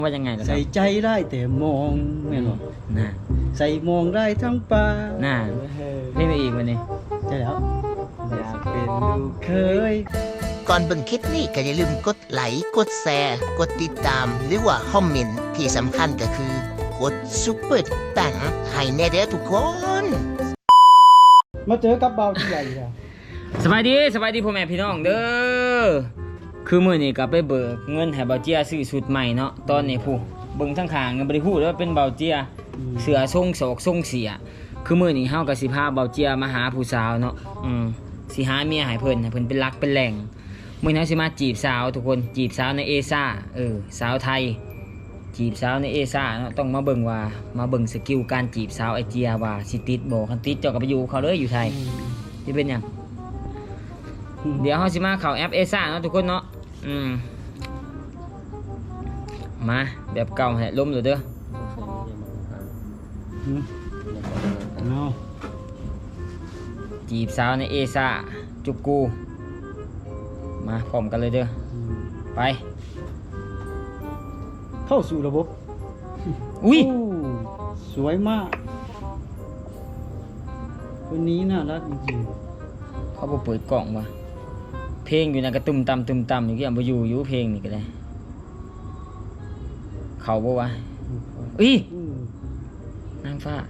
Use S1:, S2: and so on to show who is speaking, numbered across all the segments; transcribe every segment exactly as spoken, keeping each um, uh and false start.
S1: ว่ายังไงล่ะครั
S2: ใส่
S1: บ
S2: ใจได้แต่มองแม่นบ่
S1: น่ะ
S2: ใส่มองได้ทั้งปา
S1: น่ะเพลงอีกวันนี้
S2: ใช่แล้ว
S1: อยากเป็นลูก
S2: เคย
S3: ก่อนเบิ่งคลิปนี้ก็อย่าลืมกดไลค์กดแชร์กดติดตามหรือว่าคอมเมนต์ที่สำคัญก็คือกดซุปเปอร์ตังให้แน่เด้อทุกคน
S2: มาเจอกับเบาที่ใหญ่ค่ะ
S1: สบายดีสบายดีพ่อแม่พี่น้องเด้อคือมื้อนี้ก็ไปเบิกเงินให้เบาเจียซื้อชุดใหม่เนาะตอนนี้ผู้เบิ่งทั้งข้างก็บ่ได้ฮู้ว่าเป็นเบาเจียเสื้อทรงศอกทรงเสียคือมื้อนี้เฮาก็สิพาเบาเจียมาหาผู้สาวเนาะอืมสิหาเมียให้เพิ่นให้เพิ่นเป็นหลักเป็นแหล่งมื้อนี้เฮาสิมาจีบสาวทุกคนจีบสาวในเอซ่าเออสาวไทยจีบสาวในเอซ่าเนาะต้องมาเบิ่งว่ามาเบิ่งสกิลการจีบสาวไอเจียว่าสิติดบ่คันติดเจ้าก็ไปอยู่เขาเลยอยู่ไทยสิเป็นหยังเดี๋ยวเฮาสิมาเข้าแอปเอซ่าเนาะทุกคนเนาะอืมมาแบบเก่าให้ล้มเลยเด้อ
S2: อืมเอา
S1: จีบสาวในเอซ่าจุกกูมาพร้อมกันเลยเด้อ
S2: อืม
S1: ไป
S2: เข้าสู่ระบบ
S1: อุ้ย
S2: โสวยมากคนนี้น่ารักจริง
S1: เขาบ่เปิดกล่องว่ะเพลงอยู่นะกระตุ่มตำตุ่มตำอยู่กี่อันบ่อยู่อยู่เพลงนี่ก็ได้เขาบ่วะ
S2: ๆ
S1: อุ้ย
S2: อืม
S1: นางฟ้า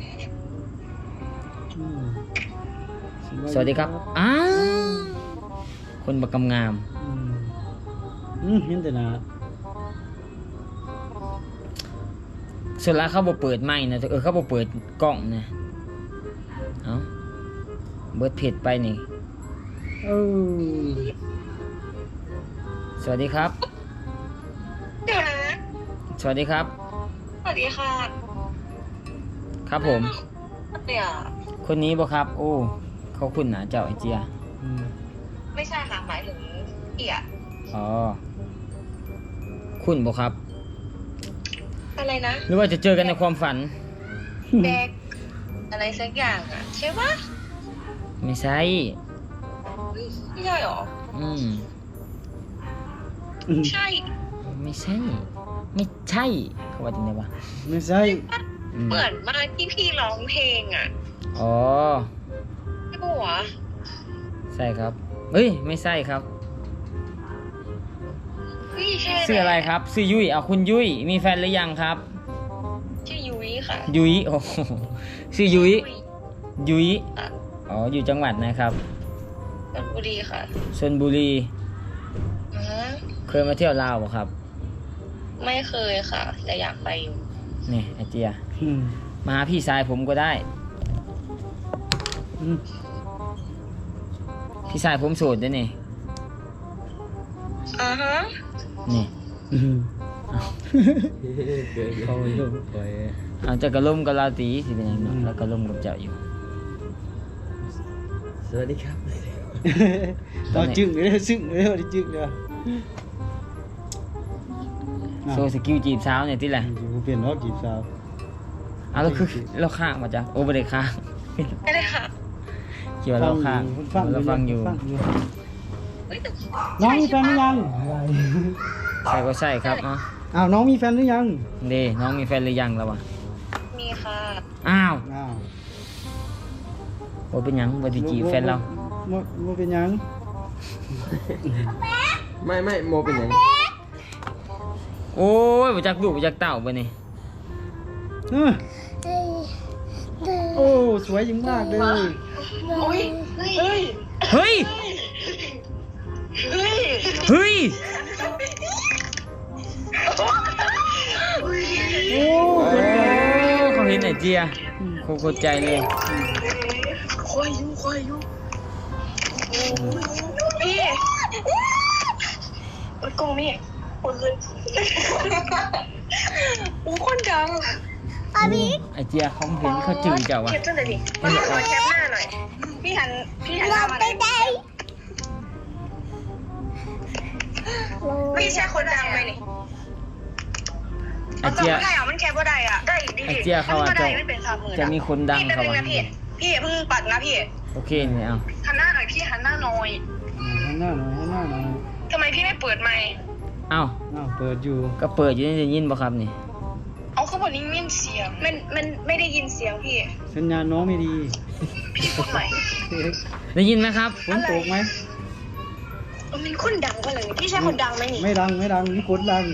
S2: อืม
S1: สวัสดีครับอ้าวคนบักกำงาม
S2: อืมอืมเห็นแต่หน้า
S1: ส่วนละเขาบ่เปิดไม้นะเออเขาบ่เปิดกล้องนะเอ้าเบิดเพจไปนี่
S2: เออ
S1: สวัสดีครับ
S4: เดี๋ยวนะ
S1: สวัสดีครับ
S4: สวัสดีค่ะ
S1: ครับผม
S4: เดี๋ยว
S1: คนนี้บ่ครับ โอ้เขาคุ้นหนาเจ้าไอเจีย
S2: อืม
S4: ไม่ใช่ค่ะหมายถึงเอีย
S1: อ๋อคุ้นบ่ครับ
S4: อะไรนะ
S1: หรือว่าจะเจอกันในความฝัน
S4: แบกอะไรสักอย่างอ่ะใช่ปะ
S1: ไม่ใช่
S4: เฮ้ยไม่ใช่หรอ
S1: อืม
S2: อืม
S4: ใช่
S1: ไม่ใช่ ไม่ใช่ เขาว่าจริงไงวะ
S2: ไม่ใช่
S1: อืม
S4: เหมือนมากที่พี่ร้องเพลงอ่ะ
S1: อ๋อ
S4: ใช่ปะวะ
S1: ใช่ครับเฮ้ย ไม่ใช่ครับ
S4: เฮ้ยใช่
S1: ชื่ออะไรครับชื่อยุ้ยเอาคุณยุ้ย มีแฟนหรือยังครับ
S4: ชื่อยุ้ยค่ะ
S1: ยุ้ย โอ้โหชื่อยุ้ย ยุ้ย
S4: อ่ะ
S1: อ๋อ อยู่จังหวัดนะครับ
S4: ชลบุรีค่ะ
S1: ชลบุรี
S4: อือฮะ
S1: เคยมาเที่ยวลาวบ่ครับ
S4: ไม่เคยค่ะ แต่อยากไปอยู่
S1: นี่ไอเจีย
S2: อืม
S1: มาหาพี่ชายผมก็ได้
S2: อืม
S1: พี่ชายผมโสดด้วยนี่
S4: อ่าฮะ
S1: นี่
S2: อืมเขาเริ่มปล่อย
S1: เอาจะกระล่มกับลาตีสิเป็นยังไงแล้วกระล่มกับเจ้าอยู่
S5: สวัสดีครับ
S2: ตอนจึ้งเลยซึ้งเลยตอนจึ้งเลย
S1: โซสกิลจีบสาวเนี่ยที่แหละ
S2: อยู่เปลี่ยนรอบจีบสาว
S1: เอาแล้วคือเราข้างมาจ้ะโอ้ไม่ได้ข้าง
S4: ไม่ได้ค่ะ
S1: เกี่ยวาเราข้าง
S2: ฟัง
S1: เราฟังอยู่
S2: ฟังอยู่
S4: เฮ้ยแต่
S2: น้องมีแฟนหรือยัง
S1: ใช่ก็ใช่ครับเนาะ
S2: อ้าวน้องมีแฟนหรือยัง
S1: เด้น้องมีแฟนหรือยังแล้ววะ
S4: มีค่ะ
S1: อ้าว
S2: อ้าว
S1: โอ้เป็นหยังบ่ได้จีบแฟนเรา
S2: โมโมเป็นหยัง
S5: ไม่ไม่โมเป็นอย่าง
S1: โอ้ยบ่จักลูกบ่จักเต้าบ่นี่
S2: เออโอ้สวยยิ่งมากเลย
S4: โอ้ยเฮ้ย
S1: เฮ้ย
S4: เฮ้ย
S1: เฮ้ย
S2: โอ้
S1: โอ้เขาเห็นไอเจียโคตรใจเลย
S4: ควายอยู่ควายอยู่พี่รถกงนี่คนเลยโอ้คนดังอาบิ๊ก
S1: ไอเจียเขาเห็นเขาจืดเจ้าวะ
S4: แคปจังเลยดิมาขอแคปหน้าหน่อย พี่หัน พี่หันหน้ามาหน่อยพี่ใช่คนดังไหมนี่
S1: ไอเจีย
S4: ได้เหรอมันแคปว่าได้อ่ะ ได้ดิ
S1: ไอเจียเขาอาจจะ
S4: ไม่เป็นสามหมื่น
S1: จะมีคนดัง
S4: พี่เป็น
S1: เขา
S4: นึง
S1: วะ
S4: นะพี่ พี่อย่าเพิ่งปัดนะพี่
S1: โอเคเนี่ยเอา
S4: หันหน้าหน่อยพี่หันหน้าหน่อย
S2: หันหน้าหน่อยหันหน้าหน่อย
S4: ทำไมพี่ไม่เปิดไมค์
S1: เอ้า
S2: อ้าวเปิดอยู่
S1: ก็เปิดอยู่นี่ได้ยินบ่ครับนี่
S4: เอาเขาบอกนี่ไม่เสียง มันมันไม่ได้ยินเสียงพี่
S2: สัญญาณน้องไม่ดี
S4: พี่พูดใหม่
S1: ได้ยินไหมครับ
S2: ฝนตกไหม
S4: เออมันคนดังกว่าเลยพี่ใช่คนดังไหมนี่
S2: ไม่ดังไม่ดังนี่กดดัง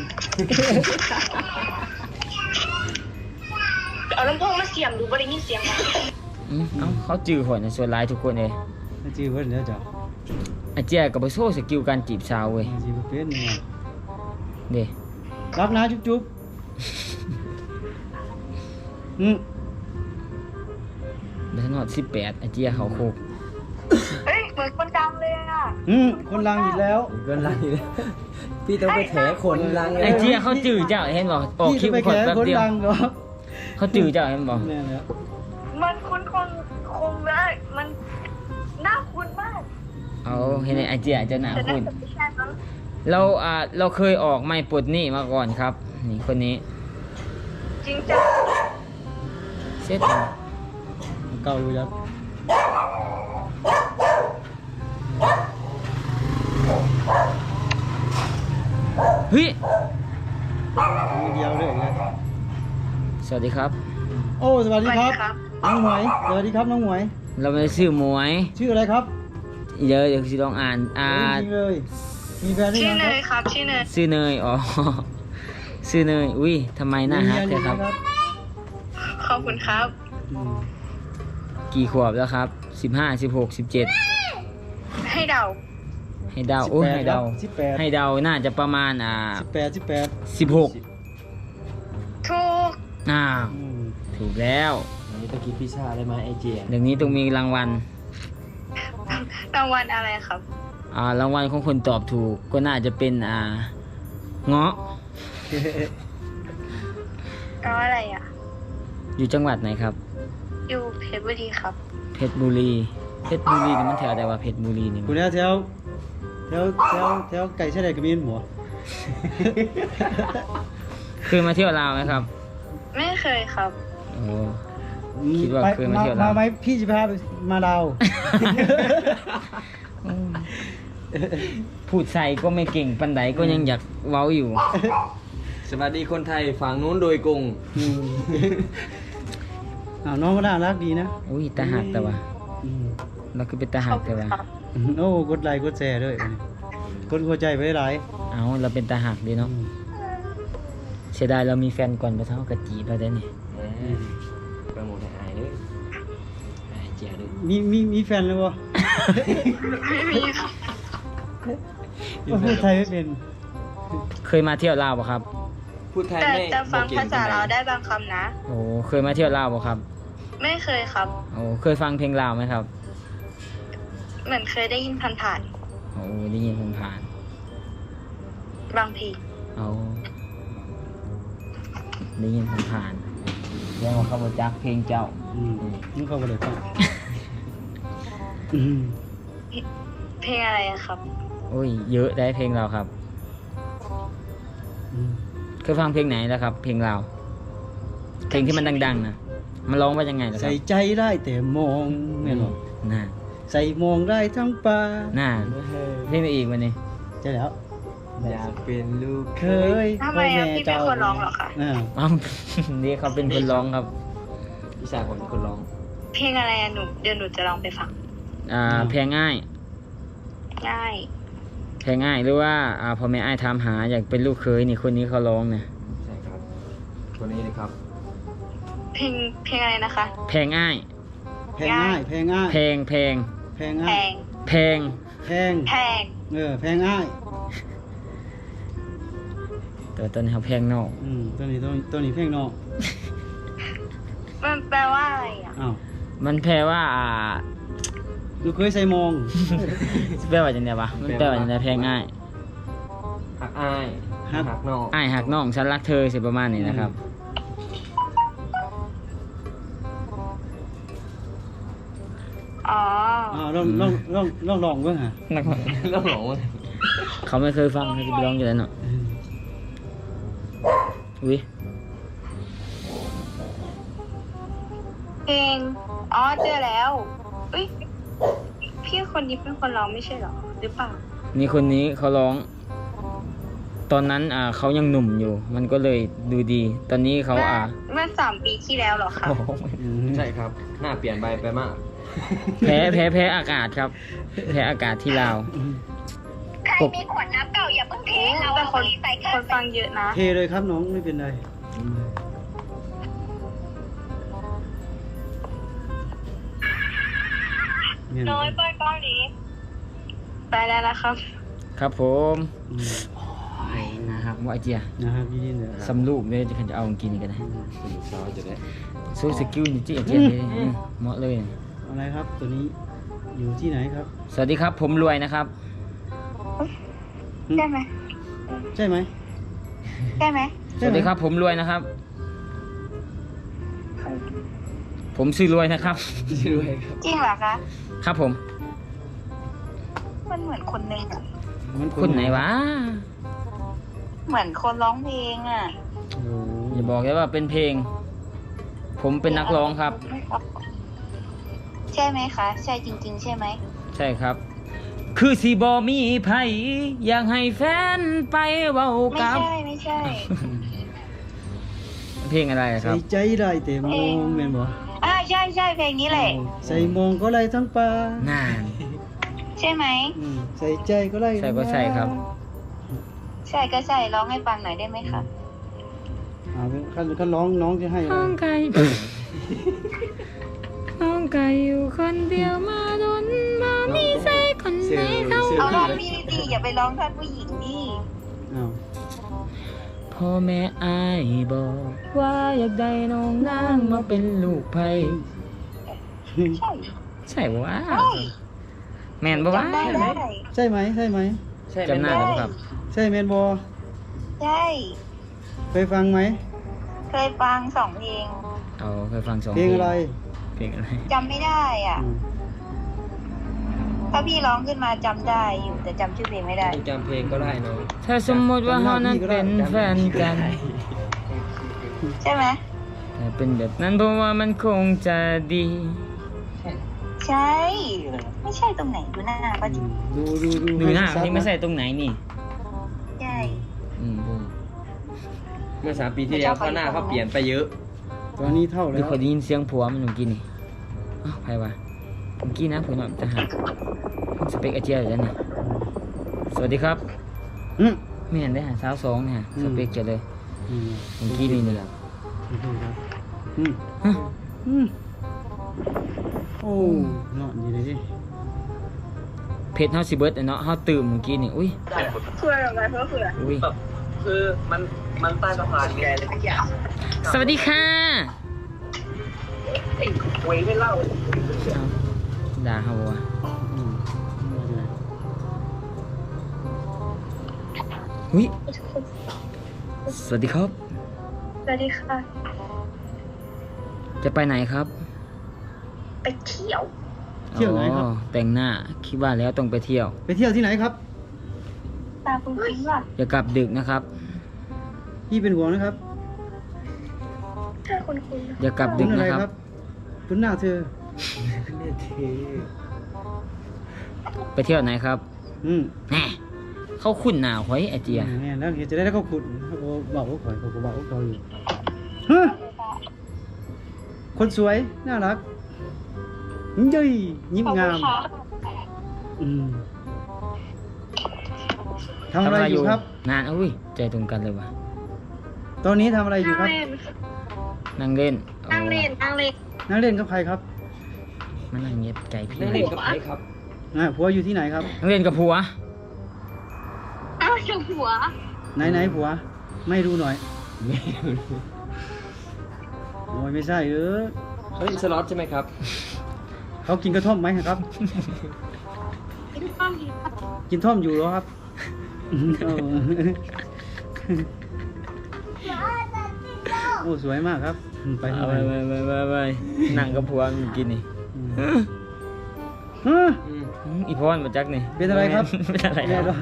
S4: เอาลำโพงมาเสียงดูบ่ได้ยินเสียงมั้ย
S1: อืมเอ้าเขาจื้อข่อยในะส่วนหลายทุกคนเลย
S2: ไม่จีเพิ่นแล้วจ้ะ
S1: ไอ้เจ้าก็บ่โชว์สกิลการจีบสาวเว้ย
S2: ไม่จีบ่เป็นเนี่ย
S1: เด้
S2: รับนะจุ๊บจุ๊บอืม
S1: บ่ทันฮอดสิบแปดไอ้เจ้าเขาโคก
S4: เฮ้ยเหมือนคนดังเลยอ่ะ
S2: อืมคนลังอีกแล้ว
S5: เกินไรเลยพี่ต้องไปแถคนลัง
S1: ไอ้เจ้าเขาจื้อเจ้าเห็นบ่ออกคลิป
S2: พี่
S1: ข่อย
S2: จะไป
S1: แป๊บ
S2: แข่คน
S1: เดียว
S2: ลังเหรอ
S1: เขาจื้อเจ้าเห็นบ่
S2: เนี่ยเนี่ย
S4: มันคุ้นคนคงได้มันน่าคุ้นมาก
S1: เอาเห็นไอ้เจ้าเจ้าหน้า
S4: แต่น่า
S1: คุณ
S4: จะไม่ใช่มั้ง
S1: เราอ่าเราเคยออกไม่ปลดหนี้มาก่อนครับ นี่คนนี้
S4: จริงจัง
S1: เสร็จ
S2: เก่าอยู่ยับ
S1: เฮ้ย
S2: มือเดียวเลยนะ
S1: สวัสดีครับ
S2: โอ้สวัส
S4: ส
S2: ดี
S4: วัส
S2: ค
S4: ดี
S2: รับ
S4: ครับ
S2: น้องหมวยสวัสดีครับน้องหมวย
S1: เราไม่ได้ชื่อหมวย
S2: ชื่ออะไรครับ
S1: เดี๋ยวเดี๋ยวสิลองอ่านอ่า
S2: จริงๆเลยมีแฟนหรือ
S4: ชื่อ
S2: ยัง
S4: เน
S2: ครับ
S4: ยครับชื่อเนย
S1: ชื่อเนยอ๋อ ชื่อเนยอุ้ยทำไมหน้าฮัก
S2: มี
S1: เลย
S2: เมีย
S1: ครับ
S2: หอยัง
S4: ขอบคุณครับ
S2: อืม
S1: กี่ขวบแล้วครับสิบห้าสิบหกสิบเจ็ด
S4: ให้เดา
S1: ให้เดาโอ้ยให้เดา
S2: สิบแปด
S1: ให้เดาน่าจะประมาณอ่า
S2: สิบแปดสิบแปด
S1: สิบหก
S4: ถูก
S1: อ้าว
S2: อืม
S1: ถูกแล้ว
S5: อันนี้ตะกี้พิซซ่าได้ไหมไอเจีย
S1: เดี๋ยวนี้ต้องมีรางวัล
S4: รางวัลอะไรครับ
S1: อ่ารางวัลของคนตอบถูกก็น่าจะเป็นอ่าเงาะ
S4: เอาอะไรอ่ะ
S1: อยู่จังหวัดไหนครับ
S4: อยู่เพชรบุรีครับ
S1: เพชรบุรีเพชรบุรีนี่มันแถวใดวะเพชรบุรีนี่
S2: คุณเนี่ยแถวแถวแถวแถวไก่เฉลยกระมีนหัว
S1: เคยมาเที่ยวลาวไหมครับ
S4: ไม่เคยครับ
S1: โอ้ คิดว่าเคยมาเที่ยวลาว
S2: มาไหมพี่จะพาไปมาดาว
S1: พูดใส่ก็ไม่เก่งปันไดก็ยังอยากเว้าอยู่
S5: สวัสดีคนไทยฝั่งนู้นโดยกง
S2: อืมอ้าวน้องก็น่ารักดีนะ
S1: อุ้ยตาหักแต่ว่า
S2: อืม
S1: เราคือเป็นตา
S4: ข
S1: หั
S4: อก บ
S1: แต่
S4: คุณ
S1: ว่า
S4: ครับ
S2: โอ้กดไลค์กดแชร์ด้วยกดหัวใจไปหลาย
S1: เอาเราเป็นตาหักดีเนาะ
S2: อืม
S1: เสียดายเรามีแฟนก่อนไปเท่ากะจีเราได้เนี่ย
S5: โปรโมทให้อายเลยไอเจียด้วย
S2: มีมีมีแฟนเลยวะ
S4: ไม่มีครับ
S2: ว่าพูดไทยไม่เป็น
S1: เคยมาเที่ยวลาวป่ะครับ
S5: พูดไทย
S4: แต่
S5: ไม่
S4: แต่ฟัง
S5: บ่ก่
S4: ภาษา
S5: ปนใ
S4: เราได้บางคำนะ
S1: โอ้เคยมาเที่ยวลาวป่ะครับ
S4: ไม่เคยครับ
S1: โอ้เคยฟังเพลงลาวไหมครับ
S4: เหมือนเคยได้ยินผ่าน
S1: โอ้ได้ยินผมผ่าน
S4: ๆบางที
S1: เอาได้ยินผมผ่านยังว่าเขาบอจักเพลงเจ้า
S2: อืมมึงเข้าไปเลยฟังอืม
S4: เพลงอะไรอะครับ
S1: โอ้ยเยอะได้เพลงเราครับ
S2: อืม
S1: เคยฟังเพลงไหนแล้วครับ เพลงเราเพลงที่มันดังๆนะมันร้องว่ายังไงล่ะครั
S2: ใส่
S1: บ
S2: ใจได้แต่มองเนี่ยหรอ
S1: น่า
S2: ใส่มองได้ทั้งปลา
S1: น่าเพลงอะไรอีกวันนี้
S2: ใช่แล้ว
S5: อยากเป็นลูก
S2: เคย
S4: ทำไมอะพี่เป็นคนร้องเหรอคะ
S2: อ่า
S1: อ้าว นี่เขาเป็นคนร้องครับ
S5: พิซซ่าคนคนร้อง
S4: เพลงอะไรอะหนูเดี๋ยวหนูจะลองไปฟัง
S1: อ่าเพลงง่าย
S4: ง่าย
S1: เพลงง่ายหรือว่าอ่าพ่อแม่อ้ายถามหาอยากเป็นลูกเคยนี่คนนี้เขาร้องเนี่ย
S5: ใช่ครับคนนี้เลยครับ
S4: เพลงเพลงอะไรนะคะ
S1: เพลงง่าย
S2: แพงง่ายแพงง่าย
S1: เพลงเพลง
S2: แพง
S4: แพ
S2: ง่าย
S4: ง
S1: เพลง
S2: แพง
S4: แพง
S2: เออแพงง่าย
S1: แต่ตอนนี้เขาเพลงนอก
S2: อืมตัวนี้ตัวนี้ตัวนี้แพงนอก
S4: มันแปลว่าอะไรอะ
S2: อ้าว
S1: มันแปลว่าอ่า
S2: ลูกเคยใส่มอง
S1: แปลว่าจังไดวะมันแปลว่าจังไดเพลงง่าย
S5: หักอายหักนอก
S1: อ้ายหักน้องฉันรักเธอสิประมาณนี้นะครับ
S4: อ๋อ
S2: อ้าวลองลองลองลองลองเบิ่งฮะ
S5: แล้วหลงวะ
S1: เขาไม่เคยฟังเขาจะไปร้องอยู่แล้วเนาะอุ้ย
S4: เพลง อ๋อเจอแล้วอุ้ยพี่คนนี้เป็นคนร้องไม่ใช่เหรอ หรือเปล่า
S1: นี่คนนี้เขาร้องตอนนั้นอ่าเขายังหนุ่มอยู่ มันก็เลยดูดี ตอนนี้เขาอ่า
S4: เมื่อสามปีที่แล้วเหรอคะ
S1: โอ้โห
S2: อืม
S5: ใช่ครับ หน้าเปลี่ยนไปไปมาก
S1: แพ้แพ้แพ้อากาศครับ แพ้อากาศที่ลาว
S4: ใครมีขวดน้ำเก่าอย่าเพิ่งเทเราเป็นคนใส่คนฟังเยอะนะ
S2: เทเลยครับน้องไม่เป็นไรเนี่ย
S4: น้อยไปเกาหลีไปแล้วนะครับ
S1: ครับผม
S2: อืม
S1: ไอ้นะครับว่าไอเจีย
S2: นะครับยินดีเลย
S1: สำรูปเลยจะจะเอากินกันนะ
S5: สนุกสาวจะได้
S1: โซสกิลนี่จีไอเจียเลยอืมเหมาะเลย
S2: อะไรครับตัวนี้อยู่ที่ไหนครับ
S1: สวัสดีครับผมรวยนะครับ
S4: ใช่ไหม
S2: ใช่ไหม
S4: ใช่ไหม
S1: สวัสดีครับผมรวยนะครับ ผมชื่อรวยนะครับ
S5: ชื่ออะไรครับ
S4: จริงเหรอคะ
S1: ครับผม
S4: มันเหมือนคนหนึ่งอะ
S2: มัน
S1: คนไหนวะ
S4: เหมือนคนร้องเพลงอ่ะ
S2: โอ้โห
S1: อย่าบอกเลยว่าเป็นเพลง ผมเป็นนักร้องครับ
S4: ใช่ไหมคะ ใช่จริง ๆ ใช่ไหม
S1: ใช่ครับ คือสีบอมีไผอยากให้แฟนไปเว้า
S4: ไม่
S1: กับ
S4: ใช่ไม่ใช่
S1: เพลงอะไรค
S2: ใส่
S1: รับ
S2: ใจได้แต่มองแม่นบ่
S4: อ่าใช่ใช่เพลงนี้แหละ
S2: ใส่มองก็ไรทั้งปลาน
S1: าน
S4: ใช่ไหม
S2: อืมใส่ใจก็ไร
S1: ใช่ก็ใช่ครับ
S4: ใช่ก็ใช่ร้องให้ฟังหน่อยได้ไหมคะ
S2: อ่าขั้นขั้นร้องน้องจะให้อะไร
S1: น้องไก่น้องไก่อยู่คนเดียวมาโดนมามีใส่คนไหนเขา
S4: เอาร้องพี่ดีๆอย่าไปร้องท่านผู้หญิงดิ
S2: อ้าว
S1: พ่อแม่อายบอกว่าอยากได้น้องนางมาเป็นลูกไผ่
S4: ใช่
S1: ใช่ปะวะ
S4: ใช่
S1: แม่นปะวะ
S4: จำได้ได้
S2: ใช่ไหมใช่ไหม
S5: ใช่
S1: จำหน้าได้ปะครับ
S2: ใช่แมนบอ
S4: ใช่
S2: เคยฟังไหม
S4: เคยฟังสองเพลง
S1: เอาเคยฟังสอง
S2: เพลงอะไร
S1: เพลงอะไร
S4: จำไม่ได้อ่ะ
S2: อืม
S4: ถ้าพี่ร้องขึ้นมาจำได้อยู่แต่จำชื่อเพลงไม่ได้
S5: จำเพลงก็ได้เนาะ
S1: ถ้าสมมติว่าเรานั้นเป็นแฟนกัน
S4: ใช่ไหม
S1: แต่เป็นแบบนั้นเพราะว่ามันคงจะดี
S4: ใช่ ไม่ใช่ตรงไหนดูหน้าก็จริง
S2: ดูดูดู
S1: ดูหน้า
S2: ชัดๆ
S1: ที่ไม่ใส่ตรงไหนนี่
S4: ใช่
S1: อืม
S5: เมื่อสามปีที่แล้วเขาหน้าเขาเปลี่ยนไปเยอะ
S2: ตอนนี้เท่า
S1: หรื
S2: แล้
S1: อ
S2: ว
S1: เคยได้ยินเสียงผัวมันเมื่อกี้นี่อ้าวใครวะเมื่อกี้นะผมจะหาสเปกอาเจียอยู่แล้วนี่สวัสดีครับ
S2: อืม
S1: ไม่เห็นได้หาสาวสองเนี่ยสเปกเจอเลย
S2: อืม
S1: เมื่อกี้นี่นี่
S2: อืม
S1: ฮะ
S2: อืมโอ้เนาะดีเลยดิ
S1: เพชรเฮาสิเบิร์ดเนาะเฮาตื่มเมื่อกี้นี่อุ้ย
S4: เพื่ออะไรเพื่อเพื่อ
S1: อุ้ย
S5: คือมันมันใต้สะพานไง
S1: สวัสดีค่ะ
S5: เว้ยไม่เล่า
S1: เอาด่าเขาวะ
S2: อืม
S1: อุ้ยสวัสดีครับ
S4: สวัสดีค่ะ
S1: จะไปไหนครับ
S4: ไปเที่ยว
S2: เที่ยวไหนครับ
S1: อ๋อแต่งหน้าคิดว่าแล้วต้องไปเที่ยว
S2: ไปเที่ยวที่ไหนครับ
S4: ตาปุ้งปิ้งว่ะ
S1: อย่ากลับดึกนะครับ
S2: พี่เป็นห่วงนะครับ
S4: เธอคุณคุณ
S1: อย่ากลับดึ
S2: คุณ
S1: ก
S2: อะไร
S1: นะค
S2: ค
S1: รั
S2: รับ บคุณหน้าเธอ
S1: ไปเที่ยวไหนครับ
S2: อืม
S1: แหน่เขาคุ้นหนาวไว้ไอเจีย
S2: เนี่ยแล้วจะได้แล้วก็ขุดเขาบอกว่าข่อยเขาบอกว่าเขาอยู่ฮะคนสวยน่ารักเย้ยยิ้มงามอืมทำอะไรอยู่ครับ
S1: นานอุ้ยใจตรงกันเลยวะ
S2: ตอนนี้ทำอะไรอยู่ครับ
S1: นั่งเล่น
S4: นั่งเล่นนั่งเล่น
S2: นั่งเล่นกับใครครับ
S1: โอ้มันนั่งเงียบใจพี่
S5: นั่งเล่นกับใครครับ
S2: อ่าผัวอยู่ที่ไหนครับ
S1: นั่งเล่นกับผัว
S4: อ้าวชมหัว
S2: ไหนไหนผัว ไม่ดูหน่อยโอ้ยไม่ใช่เออ
S5: เขาเล่นสล็อตใช่ไหมครับ
S2: เขากินกระท่อมไหมครับ
S4: เป็นความดี
S2: กินท่อมอยู่เหรอครับเออโอ้สวยมากครับไป
S1: เอา
S2: ทำ
S1: ไป
S2: ไม
S1: ไปไปไปไปนั่งกับผัวเมื่อกี้นี่
S2: อืมฮะ
S5: อืม
S1: อืมอีพรมาจักนี่
S2: เป็นอะไรครับ
S1: เป็นอะไรค
S2: แย่
S1: รับ
S2: ด้วย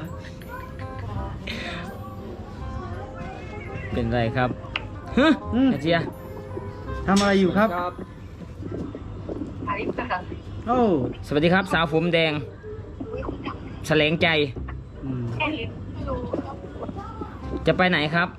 S1: เป็นอะไรครับฮะ
S2: อืม
S1: ไอเจีย
S2: ทำอะไรอยู่ครับ
S5: ครับ
S4: อะไรกัน
S2: โอ้
S1: สวัสดีครับ สาวผมแดงแสลงใจ
S2: อืม
S4: แค่ลิ้นดู
S2: อ
S1: จะไปไหนครับ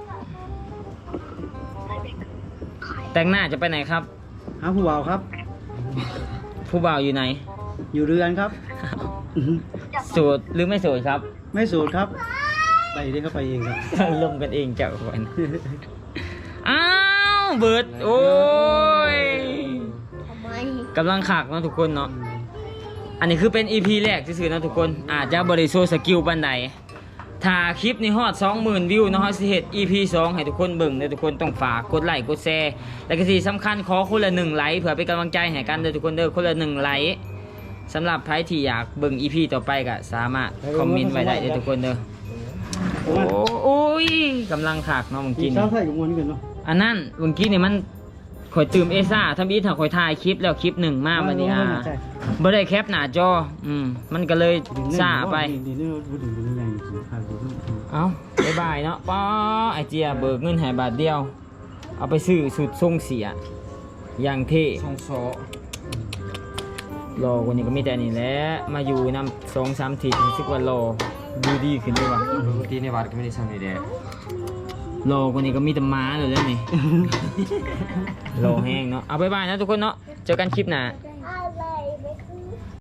S1: แต่งหน้าจะไปไหนครับ
S2: หาผู้บ่าวครับ
S1: ผู้บ่าวอยู่ไหน
S2: อยู่เรือนครับ
S1: โสดหรือไม่โสดครับ
S2: ไม่สูดครับ ไปได้เข้าไปเองครับ
S1: ลมกันเองเจ้าคนอ้าวเบิร์ดโอ้ย
S4: ทำไม
S1: กำลังขากเนาะทุกคนเนาะอันนี้คือเป็น อี พี แรกที่ซื้อๆนะทุกคนอาจจะบริโซสกิลปันใดถ้าคลิปนี้ฮอด สองหมื่น วิวเนาะเฮาสิเฮ็ด อี พี สองให้ทุกคนเบิ่งเด้อทุกคนต้องฝากกดไลค์กดแชร์และก็ที่สำคัญขอคนละหนึ่งไลค์เพื่อเป็นกำลังใจให้กันเด้อทุกคนเด้อคนละหนึ่งไลค์สำหรับใครที่อยากเบิ่ง อี พี ต่อไปก็สามารถคอมเมนต์ไว้ได้เด้อทุกคนเด้อโอ้โอ้ยกำลังขากเนาะเมื่อ
S2: กิ
S1: กี้
S2: น
S1: นี่
S2: ข้าวใส่กับมวนกันเนาะ
S1: อันนั้นเมื่อกี้นี่มันข่อยตื่มเอซ่าทำอีถ้าข่อยถ่ายคลิปแล้วคลิปหนึ่งมาวันนี้อ่าบ่ได้แคปหน้าจออืมมันก็เลยซ่าไป
S2: ดีนี่พูดถึงเป็นยังไงสิครับผม
S1: เอาบ๊ายบายเนาะป้าไอเจียเบิกเงินให้บาทเดียว เอาไปซื้อสุดทรงเสีย อย่างเท่
S5: ช่องโซ
S1: รอกว่านี้ก็มีแต่นี่แหละมาอยู่นำสองสามทีรู้สึกว่ารอดูดีขึ้นด้วยว่ะ
S5: ปกติในวัดก็ไม่ได้ทำนี่แหละ
S1: รอกว่านี้ก็มีแต่ม้าเลยแล้วนี่ รอแห้งเนาะเอาบ๊ายบายนะทุกคนเนาะเจอกันคลิปหน้า
S4: เจ